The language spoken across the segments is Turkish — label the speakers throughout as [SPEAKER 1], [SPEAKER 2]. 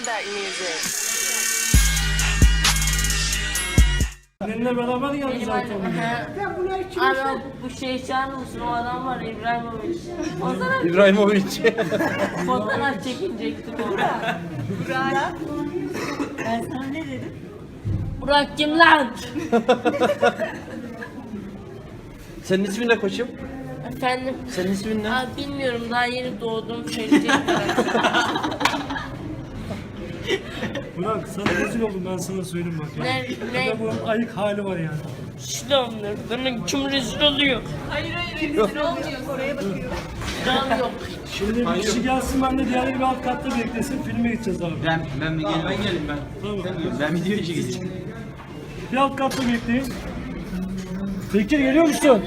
[SPEAKER 1] Maybach music.
[SPEAKER 2] Seninle beraber geldi
[SPEAKER 3] Benim
[SPEAKER 2] zaten.
[SPEAKER 3] Ana bu şey çağırır mısın? O adam var İbrahimovic.
[SPEAKER 4] İbrahimovic.
[SPEAKER 3] Fotoğraf çekinecektim orada.
[SPEAKER 5] Burak. Ben sana ne dedim?
[SPEAKER 3] Burak kim lan?
[SPEAKER 4] Senin ismin ne koçum?
[SPEAKER 3] Efendim?
[SPEAKER 4] Senin ismin ne?
[SPEAKER 3] Abi bilmiyorum daha yeni doğdum söyleyecektim.
[SPEAKER 2] Burak sana rezil oldum ben sana söyleyeyim bak ya.
[SPEAKER 3] Ne?
[SPEAKER 2] Adamın ayık hali var yani.
[SPEAKER 3] Şulamlar bana kim rezil oluyor?
[SPEAKER 5] Hayır rezil olmuyor. Oraya bakıyor.
[SPEAKER 3] Can yok.
[SPEAKER 2] Şimdi bir kişi gelsin ben de diğerleri bir alt katta beklesin filme gideceğiz abi.
[SPEAKER 4] Ben geleyim ben.
[SPEAKER 2] Tamam.
[SPEAKER 4] Ben video işe geçeyim.
[SPEAKER 2] Bir alt katta bekleyin. Bekir geliyor musun?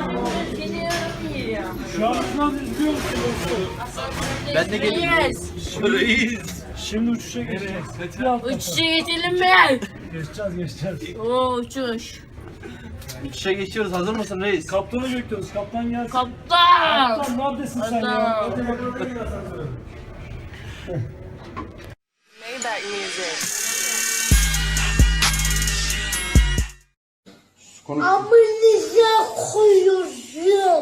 [SPEAKER 2] Şu an sınav izliyor musun dostum?
[SPEAKER 4] Ben de geleyim. Reis.
[SPEAKER 2] Şimdi uçuşa geçeceğiz. Bir alt katta.
[SPEAKER 3] Uçuşa geçelim mi?
[SPEAKER 2] Geçeceğiz.
[SPEAKER 3] Oo uçuş.
[SPEAKER 4] İşe geçiyoruz. Hazır mısın reis?
[SPEAKER 2] Kaptanı bekliyoruz. Kaptan gelsin.
[SPEAKER 3] Kaptan.
[SPEAKER 2] Kaptan neredesin sen ya?
[SPEAKER 3] Adam.
[SPEAKER 2] Hadi bakalım ya sen böyle.
[SPEAKER 1] Maybach music.
[SPEAKER 6] Amınıza koyuyorum.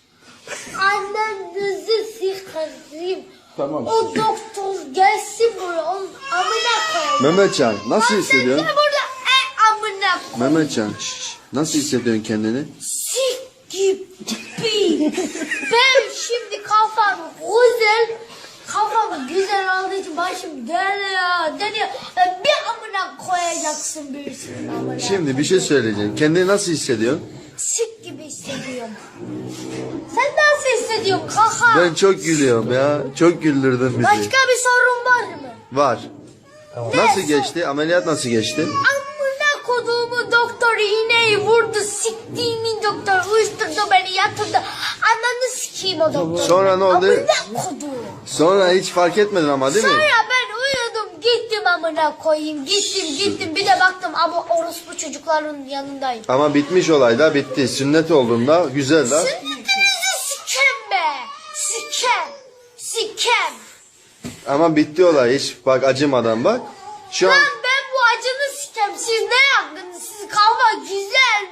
[SPEAKER 6] Annenizi sıkarım.
[SPEAKER 7] Tamam.
[SPEAKER 6] O doktor gelsin buraya. Onun amına koyayım.
[SPEAKER 7] Mehmetcan nasıl hissediyorsun?
[SPEAKER 6] Sen burada amına koyayım.
[SPEAKER 7] Mehmetcan nasıl hissediyorsun kendini?
[SPEAKER 6] Sik gibi. Ben şimdi kafam güzel olduğu için başım dönüyor. Bir amına koyacaksın birisinin amına.
[SPEAKER 7] Şimdi bir şey söyleyeceğim. Kendini nasıl hissediyorsun?
[SPEAKER 6] Sik gibi hissediyorum. Sen nasıl hissediyorsun kaka?
[SPEAKER 7] Ben çok gülüyorum ya. Çok güldürdün bizi.
[SPEAKER 6] Başka bir sorun var mı?
[SPEAKER 7] Var. Nasıl geçti? Ameliyat nasıl geçti?
[SPEAKER 6] Amına koduğumu doktor iğneyi vurdu. Siktiğimin doktor uyuşturdu beni yatırdı. Ananı sikeyim o doktor.
[SPEAKER 7] Sonra ne oldu?
[SPEAKER 6] Amına koduğum.
[SPEAKER 7] Sonra hiç fark etmedin ama değil mi?
[SPEAKER 6] Sonra ben uyudum gittim amına koyayım. Gittim bir de baktım ama orospu çocukların yanındayım.
[SPEAKER 7] Ama bitmiş olay da bitti. Sünnet olduğunda güzel da.
[SPEAKER 6] Sünnetinizi sikem be. Sikem.
[SPEAKER 7] Ama bitti olay hiç bak acımadan bak. Şu an
[SPEAKER 6] Lan ben bu acını sikem. Siz ne yaptınız? Siz kafa güzel.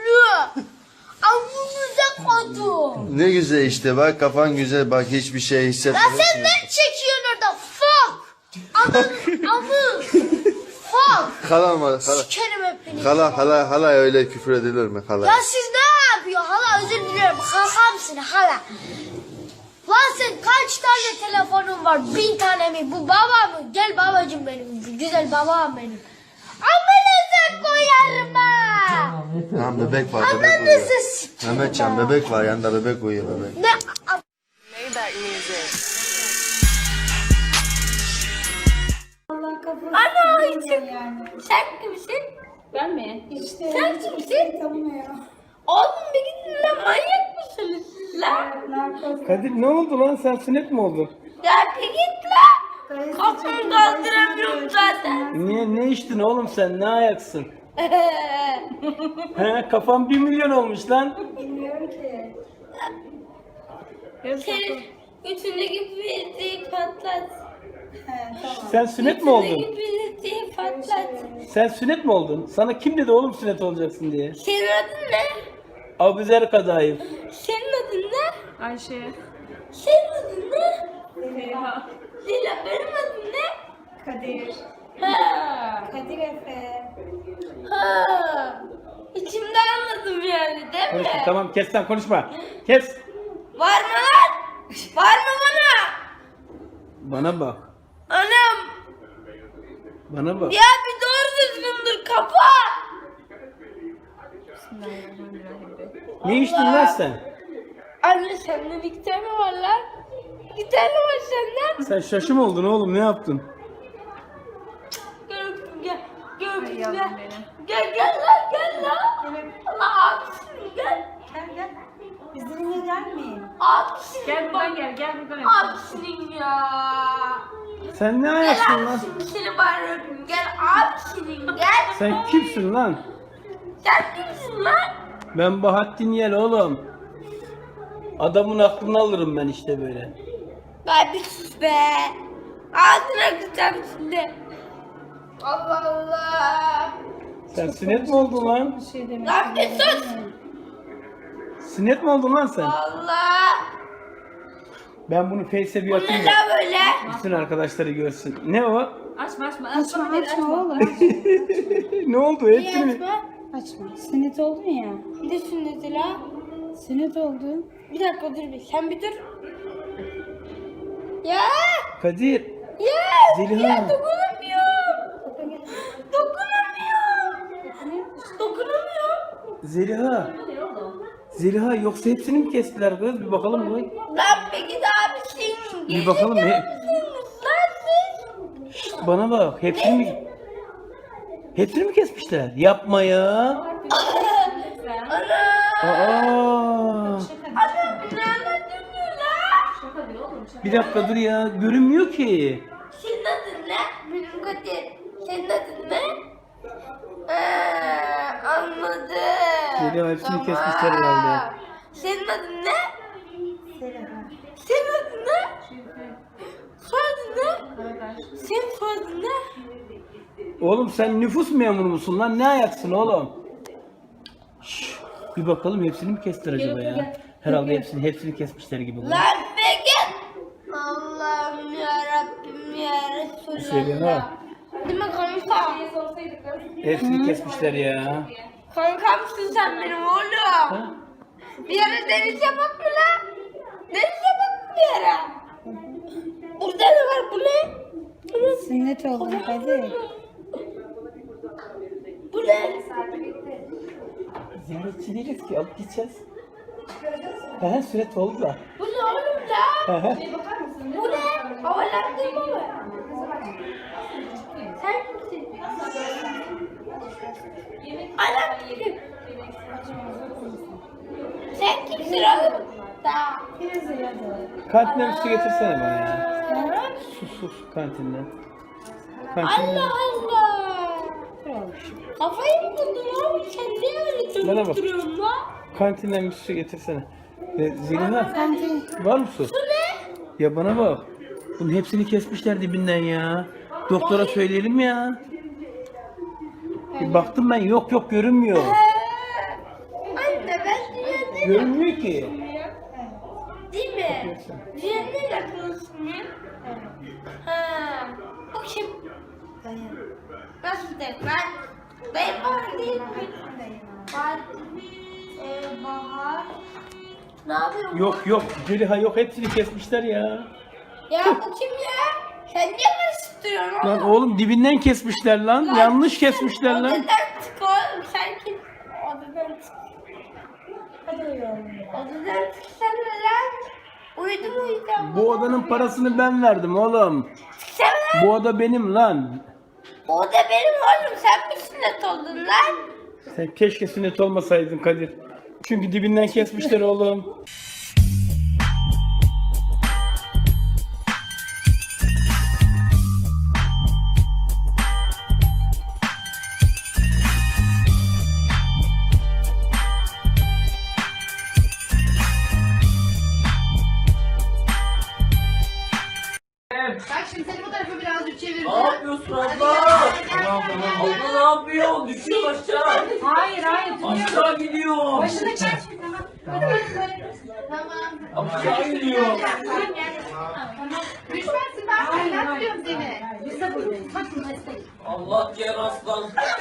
[SPEAKER 6] Amınıza koydum.
[SPEAKER 7] ne güzel işte bak kafan güzel bak hiçbir şey
[SPEAKER 6] Lan
[SPEAKER 7] hissetmiyorsun.
[SPEAKER 6] sen ne çekiyorsun orada? Fuck. Amı. Fuck.
[SPEAKER 7] Hala mı? Hala.
[SPEAKER 6] Sikerim hepinizi.
[SPEAKER 7] Hala öyle küfür edilir mi hala?
[SPEAKER 6] Ya siz ne yapıyorsun? Hala özür dilerim. Kakamsın hala. Lan sen kaç tane telefonun var? 1000 tane mi? Bu baba mı? Gel babacım benim. Güzel babam benim. Amınıza koyarım ha.
[SPEAKER 7] Tamam bebek var bebek uyuyor.
[SPEAKER 6] Amınızı sikerim.
[SPEAKER 7] Mehmetcan bebek var yanında bebek uyuyor bebek.
[SPEAKER 6] Ne?
[SPEAKER 1] Maybach music.
[SPEAKER 6] Ana içim. Sen kimsin?
[SPEAKER 3] Ben mi?
[SPEAKER 5] İşte.
[SPEAKER 6] Sen kimsin?
[SPEAKER 5] Tanımıyor.
[SPEAKER 6] Oğlum bir gidin lan manyak mısınız lan?
[SPEAKER 5] Narkoz.
[SPEAKER 2] Kadir ne oldu lan sen sünnet mi oldun?
[SPEAKER 6] Ya bir git lan. Kafamı kaldıramıyorum zaten.
[SPEAKER 2] Niye ne içtin oğlum sen ne ayaksın? He kafam 1 milyon olmuş lan.
[SPEAKER 5] Bilmiyorum ki.
[SPEAKER 6] Senin götündeki bildiği patlat.
[SPEAKER 5] He tamam.
[SPEAKER 2] Sen sünnet mi oldun?
[SPEAKER 6] Götündeki bildiği patlat.
[SPEAKER 2] Sen sünnet mi oldun? Sana kim dedi oğlum sünnet olacaksın diye?
[SPEAKER 6] Senin adın ne?
[SPEAKER 2] Abuzer Kadayıf.
[SPEAKER 6] Senin adın ne?
[SPEAKER 3] Ayşe.
[SPEAKER 6] Senin adın ne?
[SPEAKER 5] Zeliha.
[SPEAKER 6] Lila benim adım ne?
[SPEAKER 5] Kadir.
[SPEAKER 6] Ha.
[SPEAKER 5] Kadir Efe.
[SPEAKER 6] Ha. İçimde anladım yani değil mi?
[SPEAKER 2] Konuşma, tamam kes sen konuşma. Kes.
[SPEAKER 6] Var mı lan? Var mı bana?
[SPEAKER 2] Bana bak.
[SPEAKER 6] Anam.
[SPEAKER 2] Bana bak.
[SPEAKER 6] Ya bir doğru düzgündür kapa.
[SPEAKER 2] Ne içtin lan sen?
[SPEAKER 6] Anne senden 2 tane var lan. 2 tane var senden.
[SPEAKER 2] Sen şaşı mı oldun oğlum ne yaptın?
[SPEAKER 6] Gel öptüm gel. Gel öptüm
[SPEAKER 5] yavrum
[SPEAKER 6] gel.
[SPEAKER 5] benim.
[SPEAKER 6] Gel lan gel lan.
[SPEAKER 5] Gel.
[SPEAKER 6] Allah abisin gel.
[SPEAKER 5] Gel. Bizimle gelmeyin.
[SPEAKER 6] Abisin.
[SPEAKER 3] Gel buradan gel buradan.
[SPEAKER 6] Abisinin ya.
[SPEAKER 2] Sen ne
[SPEAKER 6] Gel
[SPEAKER 2] ayaksın lan?
[SPEAKER 6] abisinin seni bari öpeyim. Gel abisinin gel.
[SPEAKER 2] Sen kimsin lan?
[SPEAKER 6] Sen kimsin lan?
[SPEAKER 2] Ben Bahattin Yel oğlum. Adamın aklını alırım ben işte böyle.
[SPEAKER 6] Be bir sus be.
[SPEAKER 3] Ağzına kıçacağım şimdi. Allah Allah.
[SPEAKER 2] Sen sünnet mi oldun lan?
[SPEAKER 3] Lan bir sus.
[SPEAKER 2] Sünnet mi oldun lan sen?
[SPEAKER 3] Allah.
[SPEAKER 2] Ben bunu Face'e bir
[SPEAKER 3] Bu
[SPEAKER 2] atayım
[SPEAKER 3] ne
[SPEAKER 2] da
[SPEAKER 3] lan böyle?
[SPEAKER 2] bütün arkadaşları görsün. Ne o?
[SPEAKER 5] Açma oğlum.
[SPEAKER 2] Ne oldu? Hepsini mi?
[SPEAKER 5] Açma. Sünnet oldun ya.
[SPEAKER 3] Bir de sünneti la.
[SPEAKER 5] Sünnet oldun.
[SPEAKER 3] Bir dakika dur bir. Sen bir dur. Ya.
[SPEAKER 2] Kadir.
[SPEAKER 3] Ya.
[SPEAKER 2] Zeliha.
[SPEAKER 3] Ya dokunamıyorum. Dokunamıyorum.
[SPEAKER 2] Zeliha. Zeliha yoksa hepsini mi kestiler kız? Bir bakalım mı?
[SPEAKER 3] Lan bir git abisin.
[SPEAKER 2] Bir bakalım.
[SPEAKER 3] Lan siz.
[SPEAKER 2] Şşt, bana bak. Hepsini mi kesmişler? Yapma ya.
[SPEAKER 3] Ana.
[SPEAKER 2] Aa.
[SPEAKER 3] Ana bir anlatmıyor lan.
[SPEAKER 2] Bir dakika dur ya. Görünmüyor ki.
[SPEAKER 3] Senin adın ne? Benim Kadir. Senin adın ne? Anladım.
[SPEAKER 2] Zeliha hepsini kesmişler herhalde.
[SPEAKER 3] Senin adın ne? Senin adın ne? Soyadın ne? Senin soyadın ne?
[SPEAKER 2] Oğlum sen nüfus memuru musun lan? Ne ayaksın oğlum? Şşş, bir bakalım hepsini mi kestiler acaba ya? Herhalde hepsini kesmişler gibi. bu.
[SPEAKER 3] Lan be git. Allah'ım ya Rabbim ya
[SPEAKER 2] Zeliha.
[SPEAKER 3] Resulallah. Değil mi kanka?
[SPEAKER 2] Hepsini kesmişler ya.
[SPEAKER 3] Kankamsın sen benim oğlum.
[SPEAKER 2] Ha?
[SPEAKER 3] Bir yere deniz yapak mı lan? Deniz yapak mı bir yere? Burada ne var bu ne?
[SPEAKER 5] Sünnet oldun Kadir.
[SPEAKER 3] Bu ne?
[SPEAKER 2] Ziyaretçi değiliz ki alıp gideceğiz. He sünnet oldu da.
[SPEAKER 3] Bu ne oğlum la? Bu ne? Havalandırma mı? Sen kimsin? Anam kim? Sen kimsin oğlum? Tamam.
[SPEAKER 2] Kantinden bir su getirsene bana ya. Sus kantinden. Kantinden.
[SPEAKER 3] Allah Allah. Kafayı mı buldun oğlum? Sen niye öyle
[SPEAKER 2] Bana bak.
[SPEAKER 3] dönüp duruyorsun lan?
[SPEAKER 2] Kantinden bir su getirsene. Zeliha
[SPEAKER 5] Kantin.
[SPEAKER 2] var mı su?
[SPEAKER 3] Bu ne?
[SPEAKER 2] Ya bana bak. Bunun hepsini kesmişler dibinden ya. Doktora söyleyelim ya. Bir baktım ben yok görünmüyor.
[SPEAKER 3] Anne ben dünyada
[SPEAKER 2] Görünmüyor ki.
[SPEAKER 3] değil mi? Dünyada yakınsın ya. Ha. Bu kim? Nasıl dayım? Dayım var değil mi? Bahar. Bahar. Ne yapıyorsun?
[SPEAKER 2] Yok Zeliha yok hepsini kesmişler ya.
[SPEAKER 3] Ya bu kim ya? Sen niye karıştırıyorsun
[SPEAKER 2] Lan
[SPEAKER 3] oğlum?
[SPEAKER 2] oğlum dibinden kesmişler lan. Yanlış kesmişler lan.
[SPEAKER 3] Odadan çık oğlum sen kim? Odadan çık.
[SPEAKER 5] Hadi uyuyalım.
[SPEAKER 3] Odadan çıksana lan. Uyudum.
[SPEAKER 2] Bu odanın parasını ben verdim oğlum.
[SPEAKER 3] Çıksana lan.
[SPEAKER 2] Bu oda benim lan.
[SPEAKER 3] O da benim oğlum. Sen mi sünnet oldun lan?
[SPEAKER 2] Sen keşke sünnet olmasaydın Kadir. Çünkü dibinden kesmişler oğlum.
[SPEAKER 4] Ne yapıyorsun abla? Abla ne yapıyor? Düşüyor aşağı.
[SPEAKER 5] Hayır.
[SPEAKER 4] Aşağı gidiyor.
[SPEAKER 5] Başını çek.
[SPEAKER 4] Aşağı gidiyor.
[SPEAKER 5] Düşmezsin ben oynatmıyorum seni. Biz de buradayız. Bak destek.
[SPEAKER 4] Allah diğer aslan.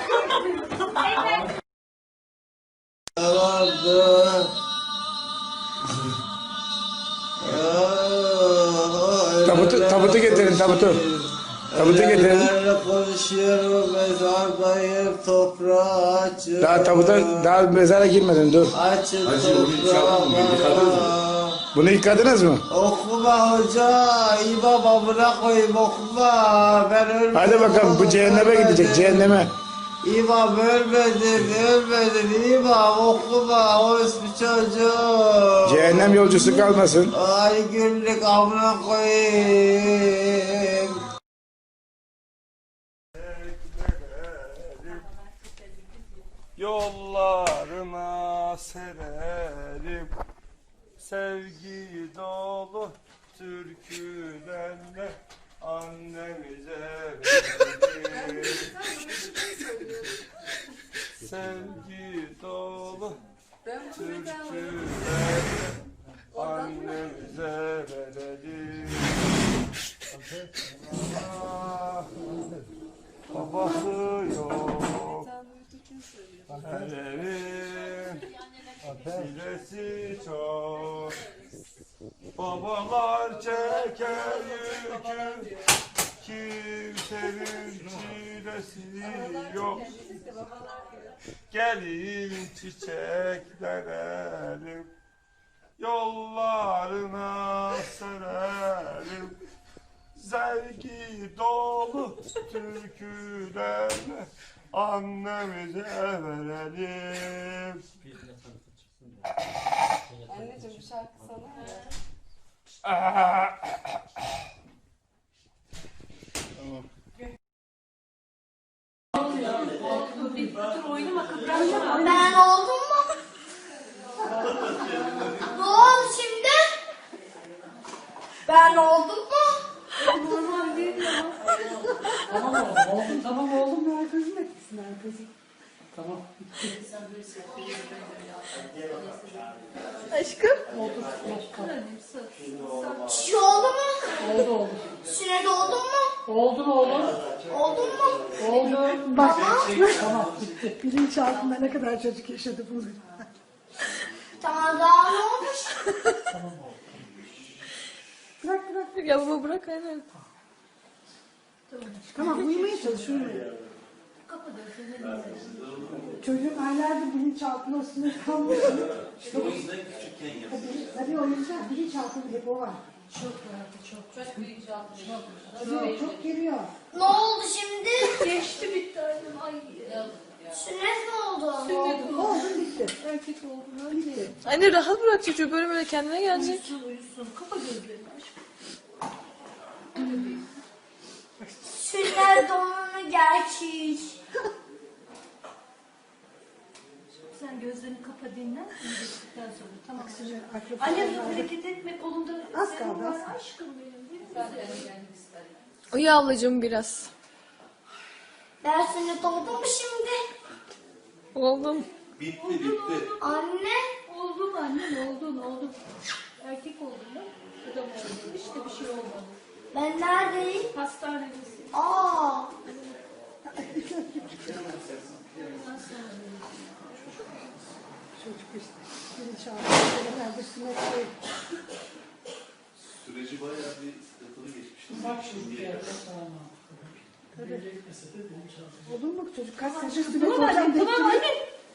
[SPEAKER 8] Tabutu getirin tabutu. Tabutu getirin.
[SPEAKER 7] Konuşuyorum mezardayım toprağı açın.
[SPEAKER 8] Daha mezara girmedin dur.
[SPEAKER 7] Açın toprağı.
[SPEAKER 8] Bunu yıkadınız mı?
[SPEAKER 7] Okuma hoca, imam amına koyayım okuma. Ben ölmedim.
[SPEAKER 8] Hadi bakalım bu cehenneme gidecek cehenneme.
[SPEAKER 7] İmam ölmedin imam okuma orospu çocuğu.
[SPEAKER 8] Cehennem yolcusu kalmasın.
[SPEAKER 7] Ay günlük amına koyayım.
[SPEAKER 9] Yollarına sererim sevgi dolu türkülerle annemize verelim. Sevgi dolu türküler annemize verelim. Ah, babası yok her evin çilesi çok. Babalar çeker yükü, kimsenin çilesi yok. Gelin çiçeklerim, yollarına sererim. Sevgi dolu türkülerle annemize verelim.
[SPEAKER 1] Anneciğim bu şarkı sana mı?
[SPEAKER 6] Ben oldum mu? Ne oldu şimdi? Ben oldum mu?
[SPEAKER 5] Tamam oğlum ya kızım etsin kızım. Tamam.
[SPEAKER 3] Aşkım.
[SPEAKER 6] Çiğ oldu mu?
[SPEAKER 5] Oldu.
[SPEAKER 6] Sünnet oldun mu?
[SPEAKER 5] Oldun oğlum.
[SPEAKER 6] Oldun mu?
[SPEAKER 5] Oldu. Bak. Tamam bitti. Bilinç altında ne kadar çocuk yaşadı bunu.
[SPEAKER 6] Tamam daha ne olmuş?
[SPEAKER 5] Bırak.
[SPEAKER 3] Ya baba bırak aynen.
[SPEAKER 5] Tamam uyumaya çalış uyumaya. Çocuğun aylardır bilinçaltında üstüne kalmış. Tabii o yüzden bilinçaltında hep o var. Çok bilinçaltı. Çok geliyor.
[SPEAKER 6] Ne oldu şimdi?
[SPEAKER 3] Geçti bitti annem. Ay.
[SPEAKER 6] Sünnet mi oldu?
[SPEAKER 5] Oldu bitti. Erkek olduğuna bitti.
[SPEAKER 3] Anne rahat bırak çocuğu böyle kendine gelecek.
[SPEAKER 5] Uyusun. Kapa gözlerini aşkım.
[SPEAKER 6] Sünnet donunu gerçek.
[SPEAKER 5] Sen gözlerini kapa dinlen. Geçtikten sonra tamam. Anne hareket etme kolunda. Az kaldı. Aşkım benim.
[SPEAKER 3] Uyu ablacığım biraz.
[SPEAKER 6] Ben sünnet oldum mu şimdi?
[SPEAKER 3] Oldum.
[SPEAKER 6] Anne.
[SPEAKER 5] Oldun annem oldun. Erkek oldun mu? Adam oldun. İşte bir şey olmadı.
[SPEAKER 6] Ben neredeyim?
[SPEAKER 5] Hastanedesin.
[SPEAKER 6] Aa.
[SPEAKER 5] Çocuk işte. Bilinçaltı. Herhalde sünnet değil.
[SPEAKER 10] Süreci bayağı bir sıkıntılı geçmişti.
[SPEAKER 5] Bak şimdi ya. Oldun mu çocuk? Kaç sene sünnet olacağım dedi. Tamam anne.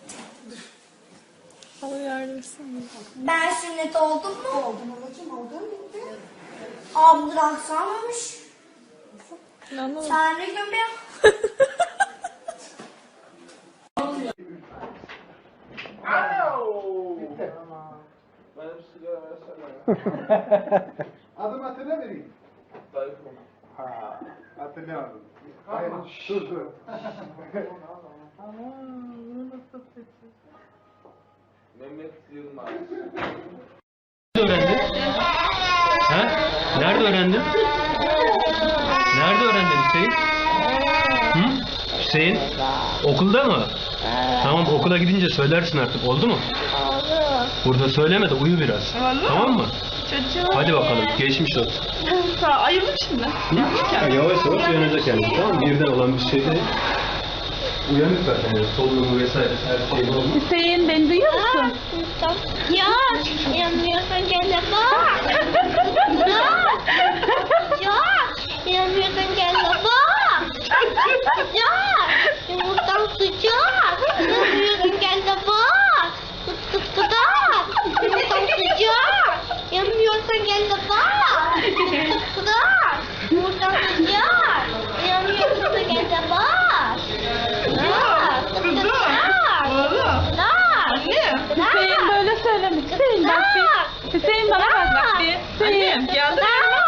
[SPEAKER 3] Allah yardım etsin.
[SPEAKER 6] Ben sünnet oldum mu?
[SPEAKER 5] Oldum babacığım oldun bitti.
[SPEAKER 6] Abdurrahman'mış.
[SPEAKER 3] Anlamadım.
[SPEAKER 6] Sen ne gömüyorsun?
[SPEAKER 9] Benim sigara versene.
[SPEAKER 7] Adım hatırla vereyim.
[SPEAKER 9] Tayfun.
[SPEAKER 7] Ha, hatırlayamadım. Hayır, dur.
[SPEAKER 9] Mehmet Yılmaz.
[SPEAKER 2] Nerede öğrendin? Ha? Nerede öğrendin? Nerede öğrendin Hüseyin? Hı? Hüseyin? Okulda mı? Tamam okula gidince söylersin artık oldu mu?
[SPEAKER 3] Oldu.
[SPEAKER 2] Burada söyleme de uyu biraz. Tamam mı?
[SPEAKER 3] Çocuğum.
[SPEAKER 2] Hadi bakalım geçmiş olsun.
[SPEAKER 3] Ayırdım şimdi.
[SPEAKER 2] Hı? Yavaş yavaş uyanacak yani tamam mı? Birden olan bir şey değil. Uyanık zaten yani solunumu vesaire her şey olmuş.
[SPEAKER 3] Hüseyin beni duyuyor musun?
[SPEAKER 6] Ya, yanmıyorsan gel de bak. Ya, yanmıyorsan gel de bak. Ya, yumurtam sıcak. Yanmıyorsan gel de bak. Kıt kıt kıdak. Yumurtam sıcak. Yanmıyorsan gel de bak. Kıt kıt kıdak. Yumurtam sıcak. Yanmıyorsan gel de bak. Ya, kıt kıt kıdak.
[SPEAKER 3] Hüseyin böyle söyleme. Hüseyin bak bir. Hüseyin bana bak bir. Hüseyin geldi.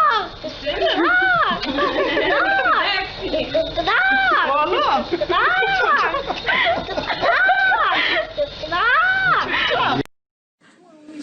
[SPEAKER 3] Oğlum.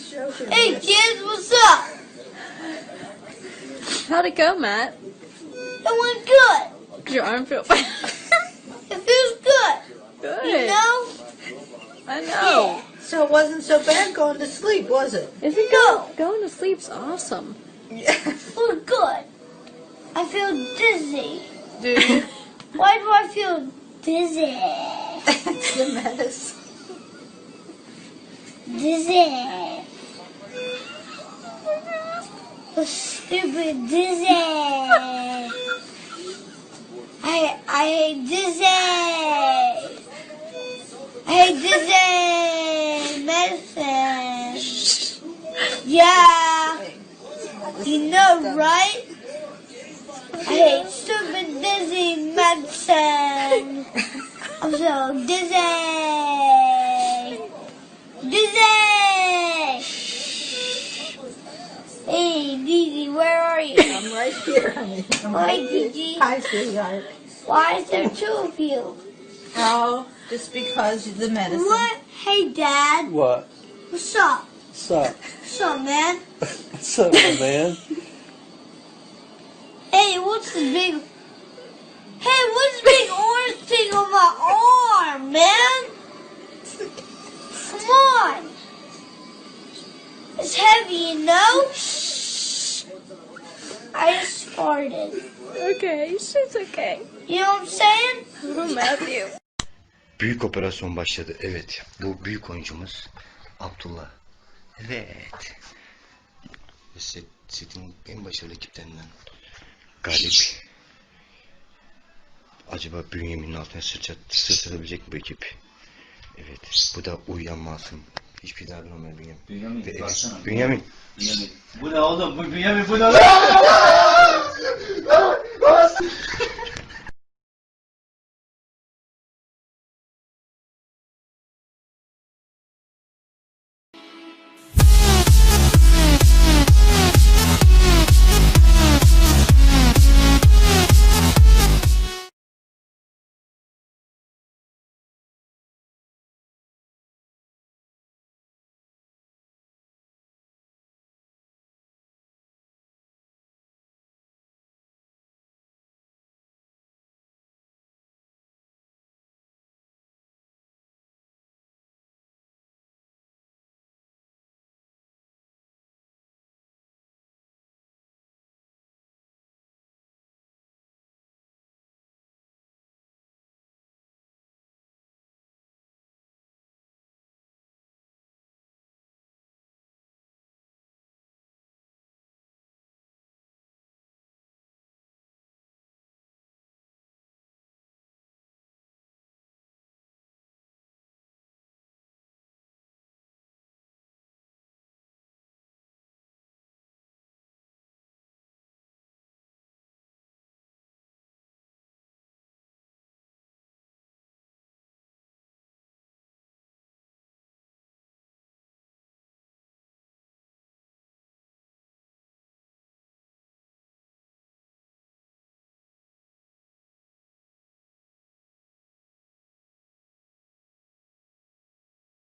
[SPEAKER 6] Hey, cheers, what's up?
[SPEAKER 3] How'd it go, Matt?
[SPEAKER 6] went good.
[SPEAKER 3] Your arm feel bad.
[SPEAKER 6] It feels good.
[SPEAKER 3] Good.
[SPEAKER 6] You know?
[SPEAKER 3] I know.
[SPEAKER 5] So it wasn't so bad going to sleep, was it?
[SPEAKER 3] Isn't
[SPEAKER 6] No.
[SPEAKER 3] going to sleep's awesome?
[SPEAKER 6] It feels good. I feel dizzy.
[SPEAKER 5] Do you?
[SPEAKER 6] Why do I feel dizzy?
[SPEAKER 5] It's the medicine.
[SPEAKER 6] Dizzy. So stupid dizzy. I hate dizzy. I hate dizzy medicine. Yeah. You know, right? I hate stupid dizzy medicine. I'm so dizzy. Dizzy! Hey, Didi, where are you?
[SPEAKER 5] I'm right here, honey.
[SPEAKER 6] Hi, Gigi.
[SPEAKER 5] Hi, sweetheart.
[SPEAKER 6] Why is there two of you?
[SPEAKER 5] Oh, just because of the medicine.
[SPEAKER 6] What? Hey, Dad.
[SPEAKER 7] What?
[SPEAKER 6] What's up?
[SPEAKER 7] What's up?
[SPEAKER 6] What's up, man?
[SPEAKER 7] What's up, man?
[SPEAKER 6] Hey, what's this big... Hey, what's this big orange thing on my arm, man? Come on. It's heavy, you know? I just farted.
[SPEAKER 3] Okay, it's okay.
[SPEAKER 6] You know what I'm saying?
[SPEAKER 3] Oh, Matthew.
[SPEAKER 11] Büyük operasyon başladı. Evet. Bu büyük oyuncumuz Abdullah. Evet. Setin en başarılı ekiplerinden Galip. Acaba Bünyamin'in altına sırtılabilecek mi bu ekip? Evet. Bu da uyuyan masum. Hiçbir derdin olmayan Bünyamin.
[SPEAKER 10] Bünyamin,
[SPEAKER 11] Ve evet.
[SPEAKER 10] baksana.
[SPEAKER 11] Bünyamin.
[SPEAKER 10] Bünyamin. Bu ne oğlum? Bu Bünyamin bu ne?